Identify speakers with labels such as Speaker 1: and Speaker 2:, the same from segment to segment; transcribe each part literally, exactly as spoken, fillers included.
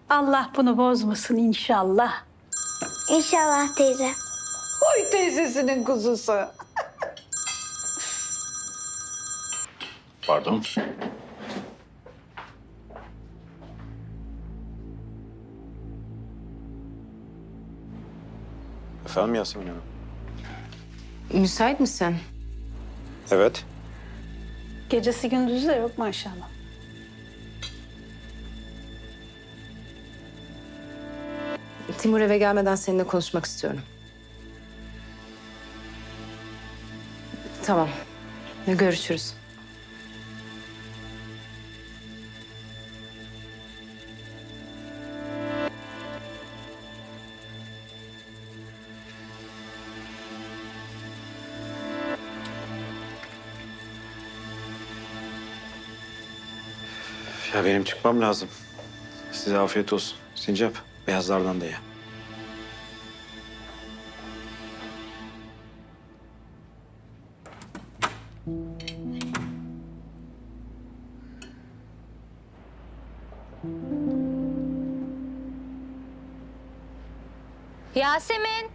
Speaker 1: Allah bunu bozmasın inşallah.
Speaker 2: İnşallah teyze.
Speaker 1: Oy teyzesinin kuzusu.
Speaker 3: Pardon. Efendim Yasemin Hanım?
Speaker 4: Müsait misin?
Speaker 3: Evet.
Speaker 1: Gecesi gündüzü de yok maşallah.
Speaker 4: Timur eve gelmeden seninle konuşmak istiyorum. Tamam. Görüşürüz.
Speaker 3: Ya benim çıkmam lazım. Size afiyet olsun. Sincap, beyazlardan da ye.
Speaker 5: Yasemin.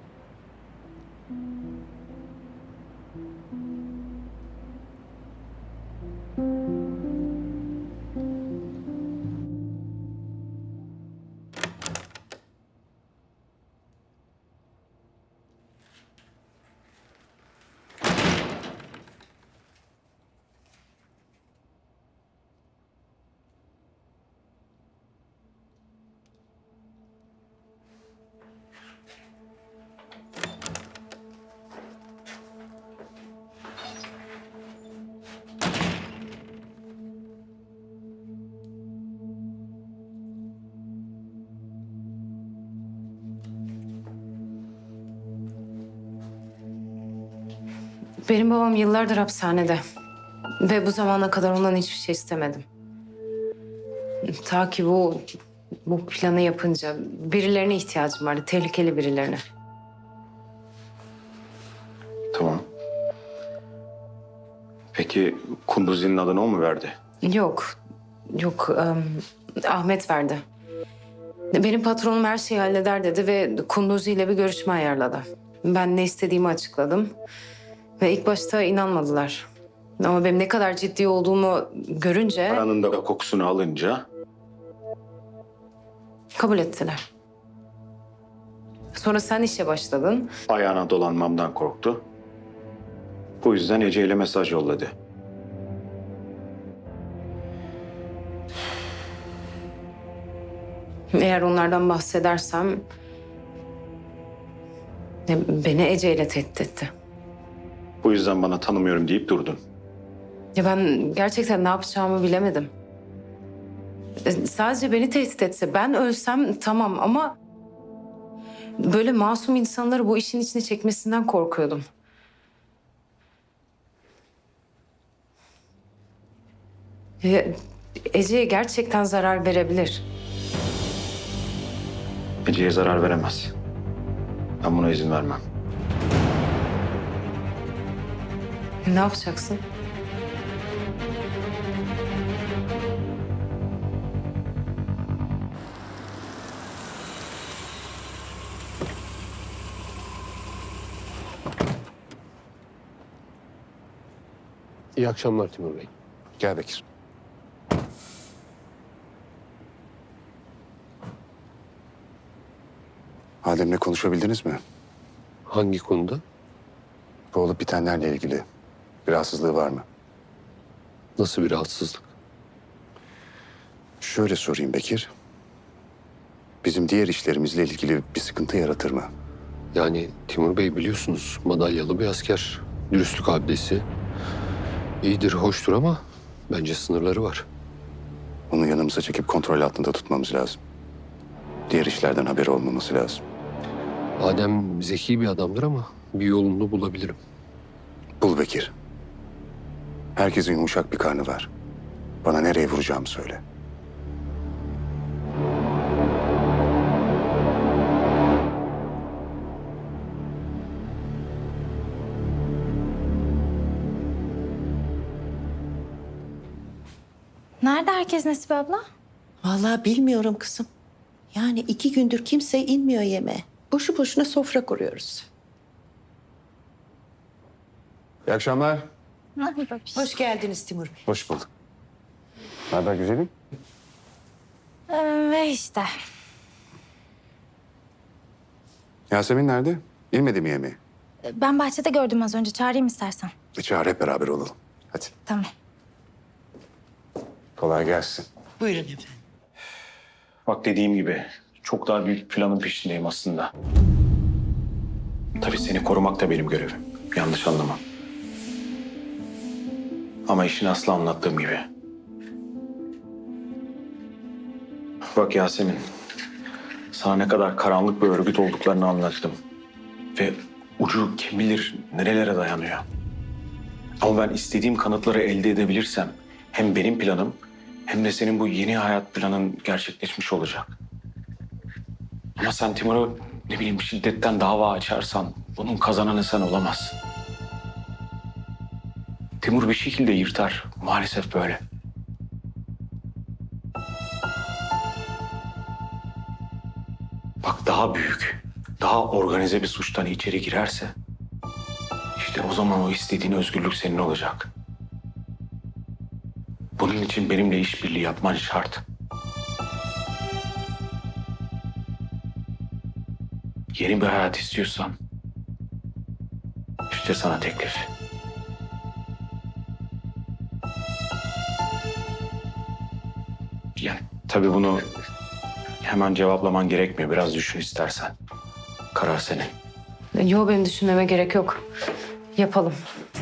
Speaker 4: Benim babam yıllardır hapishanede. Ve bu zamana kadar ondan hiçbir şey istemedim. Ta ki bu, bu planı yapınca birilerine ihtiyacım vardı. Tehlikeli birilerine.
Speaker 3: Tamam. Peki Kunduzi'nin adını o mu verdi?
Speaker 4: Yok. Yok. em, Ahmet verdi. Benim patronum her şeyi halleder dedi ve Kunduzi ile bir görüşme ayarladı. Ben ne istediğimi açıkladım. Ve ilk başta inanmadılar. Ama benim ne kadar ciddi olduğumu görünce
Speaker 3: Paranın da kokusunu alınca
Speaker 4: kabul ettiler. Sonra sen işe başladın.
Speaker 3: ayağına dolanmamdan korktu. Bu yüzden Ece ile mesaj yolladı.
Speaker 4: Eğer onlardan bahsedersem e, beni Ece ile tehdit etti.
Speaker 3: Bu yüzden bana tanımıyorum deyip durdun.
Speaker 4: Ya ben gerçekten ne yapacağımı bilemedim. E, Sadece beni tehdit etse, ben ölsem tamam ama böyle masum insanları bu işin içine çekmesinden korkuyordum. E, Ece'ye gerçekten zarar verebilir.
Speaker 3: Ece'ye zarar veremez. Ben buna izin vermem.
Speaker 4: E, Ne yapacaksın?
Speaker 6: İyi akşamlar Timur Bey.
Speaker 7: Gel Bekir. Adem'le konuşabildiniz mi?
Speaker 6: Hangi konuda?
Speaker 7: Bu olup bitenlerle ilgili bir rahatsızlığı var mı?
Speaker 6: Nasıl bir rahatsızlık?
Speaker 7: Şöyle sorayım Bekir. Bizim diğer işlerimizle ilgili bir sıkıntı yaratır mı?
Speaker 6: Yani Timur Bey biliyorsunuz madalyalı bir asker. Dürüstlük abidesi. İyidir, hoştur ama bence sınırları var.
Speaker 7: Onu yanımıza çekip kontrol altında tutmamız lazım. Diğer işlerden haberi olmaması lazım.
Speaker 6: Adem zeki bir adamdır ama bir yolunu bulabilirim.
Speaker 7: Bul Bekir. Herkesin yumuşak bir karnı var. Bana nereye vuracağımı söyle.
Speaker 5: Nerede herkes Nesibe abla?
Speaker 8: Vallahi bilmiyorum kızım.
Speaker 5: Yani iki gündür kimse inmiyor yemeğe. Boşu boşuna sofra kuruyoruz.
Speaker 7: İyi akşamlar.
Speaker 5: Hoş geldiniz Timur Bey.
Speaker 7: Hoş bulduk. Ne haber güzelim?
Speaker 8: Ve işte.
Speaker 7: Yasemin nerede? İnmedi mi yemeğe?
Speaker 8: Ben bahçede gördüm az önce. Çağırayım istersen.
Speaker 7: E çağır hep beraber olalım. Hadi.
Speaker 8: Tamam.
Speaker 7: Kolay gelsin.
Speaker 5: Buyurun efendim.
Speaker 3: Bak dediğim gibi çok daha büyük planın peşindeyim aslında. Tabii seni korumak da benim görevim. Yanlış anlama. Ama işin aslı anlattığım gibi. Bak Yasemin, sana ne kadar karanlık bir örgüt olduklarını anlattım. Ve ucu kim bilir nerelere dayanıyor. Ama ben istediğim kanıtları elde edebilirsem hem benim planım hem de senin bu yeni hayat planın gerçekleşmiş olacak. Ama sen Timur'u ne bileyim şiddetten dava açarsan bunun kazananı sen olamazsın. Timur bir şekilde yırtar. Maalesef böyle. Bak daha büyük, daha organize bir suçtan içeri girerse işte o zaman o istediğin özgürlük senin olacak. Bunun için benimle işbirliği yapman şart. Yeni bir hayat istiyorsan işte sana teklif. Yani tabii bunu hemen cevaplaman gerekmiyor. Biraz düşün istersen. Karar senin.
Speaker 4: Yok benim düşünmeme gerek yok. Yapalım.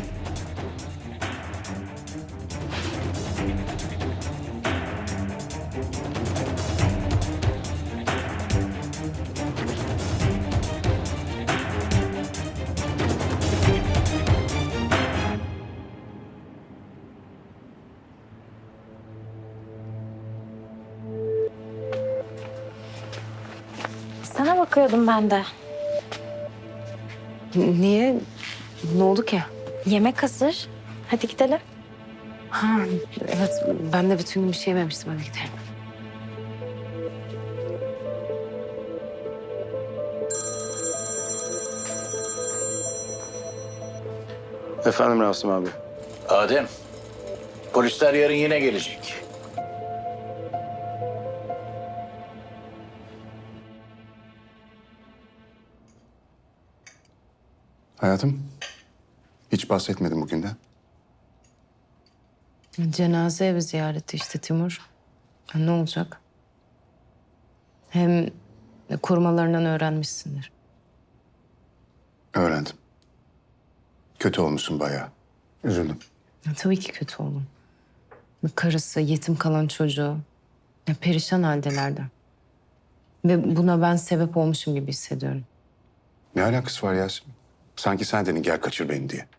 Speaker 8: Sana bakıyordum ben de.
Speaker 4: Niye? Ne oldu ki?
Speaker 8: Yemek hazır. Hadi gidelim.
Speaker 4: Ha, evet ben de bütün gün bir şey yememiştim. Hadi gidelim.
Speaker 3: Efendim Rasim abi.
Speaker 9: Adem, polisler yarın yine gelecek.
Speaker 7: Hayatım, hiç bahsetmedim bugünden.
Speaker 4: Cenaze evi ziyareti işte Timur. Ha, ne olacak? Hem korumalarından öğrenmişsindir.
Speaker 7: Öğrendim. Kötü olmuşsun bayağı. Üzüldüm.
Speaker 4: Ya, tabii ki kötü oldum. Karısı, yetim kalan çocuğu. Ya, perişan haldelerdi. Ve buna ben sebep olmuşum gibi hissediyorum.
Speaker 7: Ne alakası var Yasemin? Sanki sen dedin gel kaçır beni diye.